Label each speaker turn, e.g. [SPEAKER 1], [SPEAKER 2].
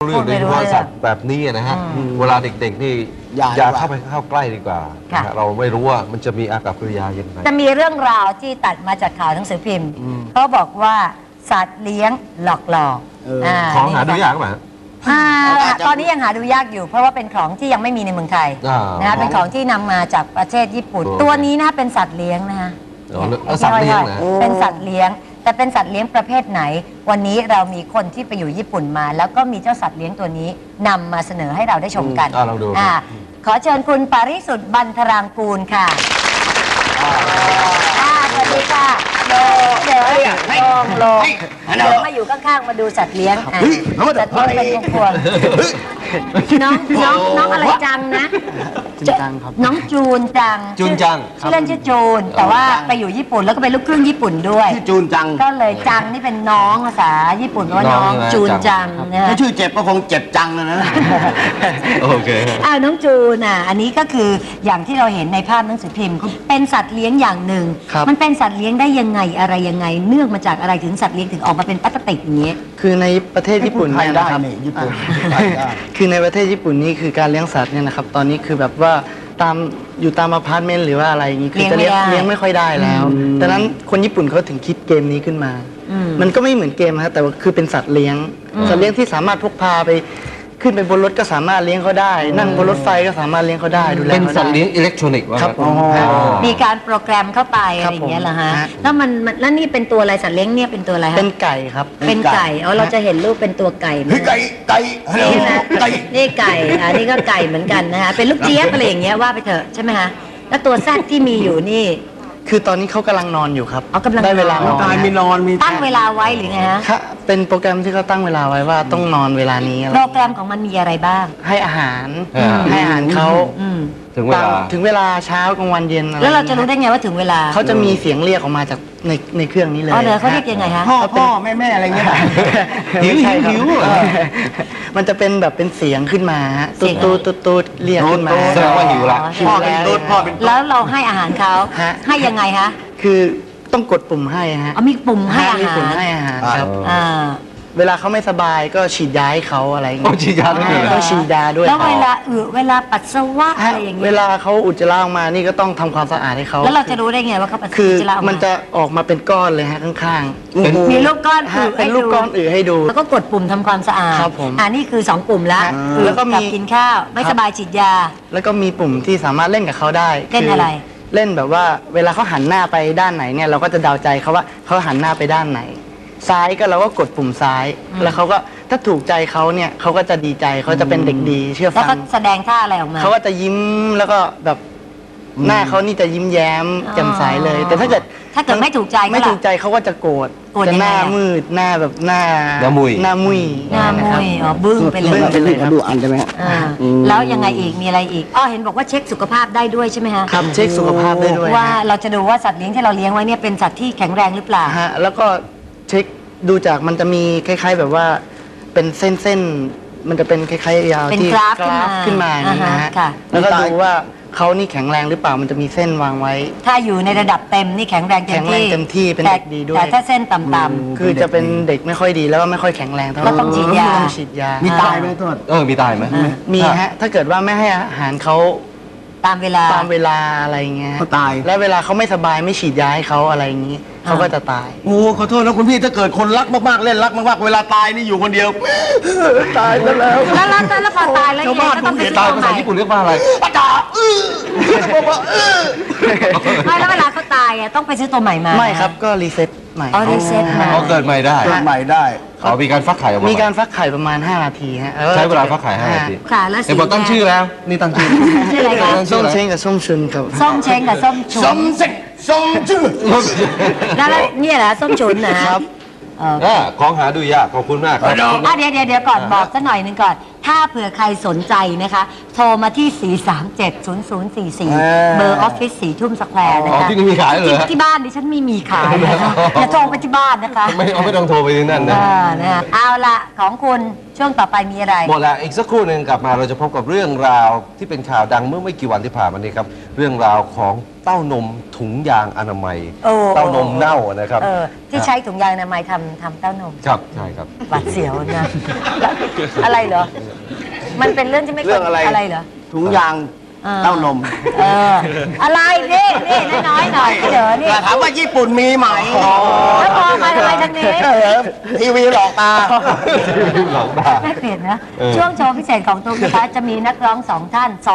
[SPEAKER 1] เรื่องโดยเฉพาะสัตว์แบบนี้นะฮะเวลาเด็กๆนี่อย่าเข้าใกล้ดีกว่าเราไม่รู้ว่ามันจะมีอากับกิริยายังไง
[SPEAKER 2] จะมีเรื่องราวที่ตัดมาจากข่าวหนังสือพิมพ์เขาบอกว่าสัตว์เลี้ยงหลอก
[SPEAKER 1] ของหาดูยากไหม
[SPEAKER 2] ตอนนี้ยังหาดูยากอยู่เพราะว่าเป็นของที่ยังไม่มีในเมืองไทยนะเป็นของที่นำมาจากประเทศญี่ปุ่นตัวนี้นะเป็นสัตว์เลี้ยงนะคะ
[SPEAKER 1] สัตว์เลี้ยงนะ
[SPEAKER 2] เป็นสัตว์เลี้ยงแต่เป็นสัตว์เลี้ยงประเภทไหนวันนี้เรามีคนที่ไปอยู่ญี่ปุ่นมาแล้วก็มีเจ้าสัตว์เลี้ยงตัวนี้นำมาเสนอให้เราได้ชมกัน
[SPEAKER 1] ลองดู
[SPEAKER 2] ขอเชิญคุณปาริสุทธิ์บรรทรางกูลค่ะสวัสดีค่ะเดี๋ยวมาอยู่ข้างๆมาดูสัตว์เลี้ยงสัตว์เลี้ยงเป็นพวงน้องอะไรจังนะ
[SPEAKER 3] จูนจังครับ
[SPEAKER 2] น้องจูนจัง
[SPEAKER 1] ชื่อ
[SPEAKER 2] เล่นชื่อจูนแต่ว่าไปอยู่ญี่ปุ่นแล้วก็เป็นลูกครึ่งญี่ปุ่นด้วย
[SPEAKER 3] ชื่อจูนจัง
[SPEAKER 2] ก็เลยจังนี่เป็นน้องภาษาญี่ปุ่นว่าน้องจูนจังนะ
[SPEAKER 3] ถ้าชื่อเจ็บก็คงเจ็บจังนะ
[SPEAKER 1] โอเค
[SPEAKER 2] น้องจูนอันนี้ก็คืออย่างที่เราเห็นในภาพหนังสือพิมพ์เป็นสัตว์เลี้ยงอย่างหนึ่งมันเป็นสัตว์เลี้ยงได้ยังไงอะไรยังไงเนื่องมาจากอะไรถึงสัตว์เลี้ยงถึงออกมาเป็นพลาสติกอย่างนี้
[SPEAKER 4] คือในประเทศญี่ปุ่นเนี่ยนะครับคือในประเทศญี่ปุ่นนี่คือการเลี้ยงสัตว์เนี่ยนะครับตอนนี้คือแบบว่าอยู่ตามอพาร์ตเมนต์หรือว่าอะไรอย่างนี้คือจะเลี้ยงไม่ค่อยได้แล้วดังนั้นคนญี่ปุ่นเขาถึงคิดเกมนี้ขึ้นมามันก็ไม่เหมือนเกมนะแต่ว่าคือเป็นสัตว์เลี้ยงที่สามารถพกพาไปขึ้นไปบนรถก็สามารถเลี้ยงเขาได้นั่งบนรถไฟก็สามารถเลี้ยงเขาได้ดูแล
[SPEAKER 1] เป็นสัตว์เลี้ยงอิเล็กทรอนิกส์
[SPEAKER 4] ครับ
[SPEAKER 2] มีการโปรแกรมเข้าไปอะไรอย่างเงี้ยเหรอฮะแล้วนี่เป็นตัวอะไรสัตว์เลี้ยงเนี่ยเป็นตัวอะไรฮะ
[SPEAKER 4] เป็นไก่ครับ
[SPEAKER 2] เป็นไก่เราจะเห็นรูปเป็นตัวไก่ไหม
[SPEAKER 3] ไก่
[SPEAKER 2] นี่นะนี่ไก่นี่ก็ไก่เหมือนกันนะคะเป็นลูกเจี๊ยบอะไรอย่างเงี้ยว่าไปเถอะใช่ไหมฮะแล้วตัวแซดที่มีอยู่นี่
[SPEAKER 4] คือตอนนี้เขากำลังนอนอยู่ครับ
[SPEAKER 2] ได้
[SPEAKER 4] เวลานอน
[SPEAKER 3] มี
[SPEAKER 2] ตั้งเวลาไว้หรือไงฮะ
[SPEAKER 4] เป็นโปรแกรมที่เขาตั้งเวลาไว้ว่าต้องนอนเวลานี้
[SPEAKER 2] โปรแกรมของมันมีอะไรบ้าง
[SPEAKER 4] ให้อาหารเขาถึงเวลาเช้ากลางวันเย็น
[SPEAKER 2] แล้วเราจะรู้ได้ไงว่าถึงเวลา
[SPEAKER 4] เขาจะมีเสียงเรียกออกมาจากในเครื่องนี้เลย
[SPEAKER 2] เขาเรียกยังไงฮะ
[SPEAKER 3] พ่อแม่อะไรเงี้ย
[SPEAKER 4] หิวมันจะเป็นแบบเป็นเสียงขึ้นมาตูดเรียกขึ้นมา
[SPEAKER 1] แสดงว่าหิวละ
[SPEAKER 3] พ่อเป็น
[SPEAKER 2] แล้วเราให้อาหารเขาให้ยังไงฮะ
[SPEAKER 4] คือต้องกดปุ่มให้ฮะ
[SPEAKER 2] มีปุ่มให้อาหาร
[SPEAKER 4] ครับเวลาเขาไม่สบายก็ฉีดยาให้เขาอะไรอย่างเงี้ย
[SPEAKER 1] ฉีดยาด้วย
[SPEAKER 4] ต้องฉีดยาด้วย
[SPEAKER 2] แล้วเวลาปัสสาวะอะไรอย่างเงี้ย
[SPEAKER 4] เวลาเขาอุจจาระออกมานี่ก็ต้องทำความสะอาดให้เขา
[SPEAKER 2] แล้วเราจะรู้ได้ไงว่าเขาปัสสาวะ
[SPEAKER 4] คือมันจะออกมาเป็นก้อนเลยฮะข้าง
[SPEAKER 2] ๆมีลูกก้อน
[SPEAKER 4] เป็นลูกก้อนให้ดู
[SPEAKER 2] แล้วก็กดปุ่มทำความสะอาด
[SPEAKER 4] ครับผม
[SPEAKER 2] นี่คือ2ปุ่มแล้ว
[SPEAKER 4] แล้วก็มี
[SPEAKER 2] กินข้าวไม่สบายฉีดยา
[SPEAKER 4] แล้วก็มีปุ่มที่สามารถเล่นกับเขาได้
[SPEAKER 2] เล่นอะไร
[SPEAKER 4] เล่นแบบว่าเวลาเขาหันหน้าไปด้านไหนเนี่ยเราก็จะเดาใจเขาว่าเขาหันหน้าไปด้านไหนซ้ายก็เราก็กดปุ่มซ้ายแล้วเขาก็ถ้าถูกใจเขาเนี่ยเขาก็จะดีใจเขาจะเป็นเด็กดีเชื่อฟัง
[SPEAKER 2] แล้วก็แสดงท่าอะไรออกมา
[SPEAKER 4] เขาก็จะยิ้มแล้วก็แบบหน้าเขานี่จะยิ้มแย้มแจ่มใสเลยแต่ถ้าเกิด
[SPEAKER 2] ไม่ถูกใจ
[SPEAKER 4] เขาก็จะโกรธจะหน้ามืดหน้าแบบหน้ามุย
[SPEAKER 2] บึ้งไปเลย
[SPEAKER 3] ดูอันใช่ไหม
[SPEAKER 2] แล้วยังไงอีกมีอะไรอีกเห็นบอกว่าเช็คสุขภาพได้ด้วยใช่ไหมฮะ
[SPEAKER 4] ครับเช็คสุขภาพได้ด้วย
[SPEAKER 2] ว่าเราจะดูว่าสัตว์เลี้ยงที่เราเลี้ยงไว้เนี่ยเป็นสัตว์ที่แข็งแรงหรือเปล่า
[SPEAKER 4] ฮะแล้วก็เช็คดูจากมันจะมีคล้ายๆแบบว่าเป็นเส้นมันจะเป็นคล้ายๆยาว
[SPEAKER 2] ที่กราฟ
[SPEAKER 4] ขึ้นมาอย่างนี้นะฮะแล้วก็ดูว่าเขานี่แข็งแรงหรือเปล่ามันจะมีเส้นวางไว้
[SPEAKER 2] ถ้าอยู่ในระดับเต็มนี่แข็งแรงเต็ม
[SPEAKER 4] ที่เป็นเด็กดีด้วย
[SPEAKER 2] แต่ถ้าเส้นต่ำๆ
[SPEAKER 4] คือจะเป็นเด็กไม่ค่อยดีแล้วก็ไม่ค่อยแข็งแรงเท่าไหร่
[SPEAKER 2] ต้องฉีด
[SPEAKER 4] ยา
[SPEAKER 3] มีตายไหมโทษ
[SPEAKER 1] มีตายไหม
[SPEAKER 4] มีฮะถ้าเกิดว่าไม่ให้อาหารเขา
[SPEAKER 2] ตามเวล
[SPEAKER 4] าอะไรเงี้ย
[SPEAKER 3] เขาตาย
[SPEAKER 4] แล้วเวลาเขาไม่สบายไม่ฉีดยาให้เขาอะไรอย่างนี้เขาก็จะตาย
[SPEAKER 3] โอ้ขอโทษนะคุณพี่ถ้าเกิดคนรักมากๆเล่นรักมากๆเวลาตายนี่อยู่คนเดียว
[SPEAKER 4] ตายแล้ว
[SPEAKER 2] แล้วพอตายแล้ว
[SPEAKER 1] ก็ต้องไปตายภาษาญี่ปุ่นเรียกว่าอะไร
[SPEAKER 3] อาจารย์บอกว่า
[SPEAKER 2] ไม่แล้วเวลาเขาตายต้องไปซื้อตัวใหม่มา
[SPEAKER 4] ไม่ครับก็รีเซ็ตใหม่
[SPEAKER 2] รีเซ็ตใหม่
[SPEAKER 1] เขาเกิดใหม่ได้มีการฟักไข่
[SPEAKER 4] มีการฟักไข่ประมาณ5 นาทีฮะ
[SPEAKER 1] ใช้เวลาฟักไข่5 นาที
[SPEAKER 2] ค่ะแล้ว
[SPEAKER 1] แต่บอกตั้งชื่อแล้วนี่ตั้งชื่อ
[SPEAKER 2] อะไรคะ
[SPEAKER 4] ส้มเช้งกับส้มชุนครับ
[SPEAKER 2] ส้มเช้งกับส้มชุน
[SPEAKER 3] ส้มชื่อ
[SPEAKER 2] แล้วเนี่ยแหละส้มชุนนะครับ
[SPEAKER 1] ของหาดูยากขอบคุณมากครับ
[SPEAKER 2] เดี๋ยวก่อนบอกสักหน่อยนึงก่อนถ้าเผื่อใครสนใจนะคะโทรมาที่4370044เบอร์ออฟฟิศ4 ทุ่มสแควร์นะคะ
[SPEAKER 1] ที่นี่มีขายเลย
[SPEAKER 2] ที่บ้านดิฉันไม่มีขายนะคะอย่าโทรไปที่บ้านนะคะ
[SPEAKER 1] ไม่ต้องโทรไปที่นั่นนะ
[SPEAKER 2] เอาละของคุณช่วงต่อไปมีอะไร
[SPEAKER 1] หมดแล้วอีกสักครู่หนึ่งกลับมาเราจะพบกับเรื่องราวที่เป็นข่าวดังเมื่อไม่กี่วันที่ผ่านมานี้ครับเรื่องราวของเต้านมถุงยางอนามัย
[SPEAKER 2] โอ้
[SPEAKER 1] เต้านมเน่านะครับ
[SPEAKER 2] ที่ใช้ถุงยางอนามัยทำเต้านม
[SPEAKER 1] ครับใช่ครับ
[SPEAKER 2] หวาดเสียวนะแล้วอะไรเหรอ มันเป็นเรื่องที่ไม่
[SPEAKER 3] เรื่องอะไร
[SPEAKER 2] อะไรเหรอ
[SPEAKER 3] ถุงยางเต้านม
[SPEAKER 2] อะไรนี่น้อยๆหน่อยเดี๋ยวนี่
[SPEAKER 3] ถามว่าญี่ปุ่นมีไหม
[SPEAKER 2] แล้วมองมาทำไมทางนี้
[SPEAKER 3] ทีวีหลอกตา
[SPEAKER 1] หลอกด่า
[SPEAKER 2] ไม่เปลี่ยนนะ ช่วงโชว์พิเศษของตุ๊กนะคะจะมีนักร้องสองท่าน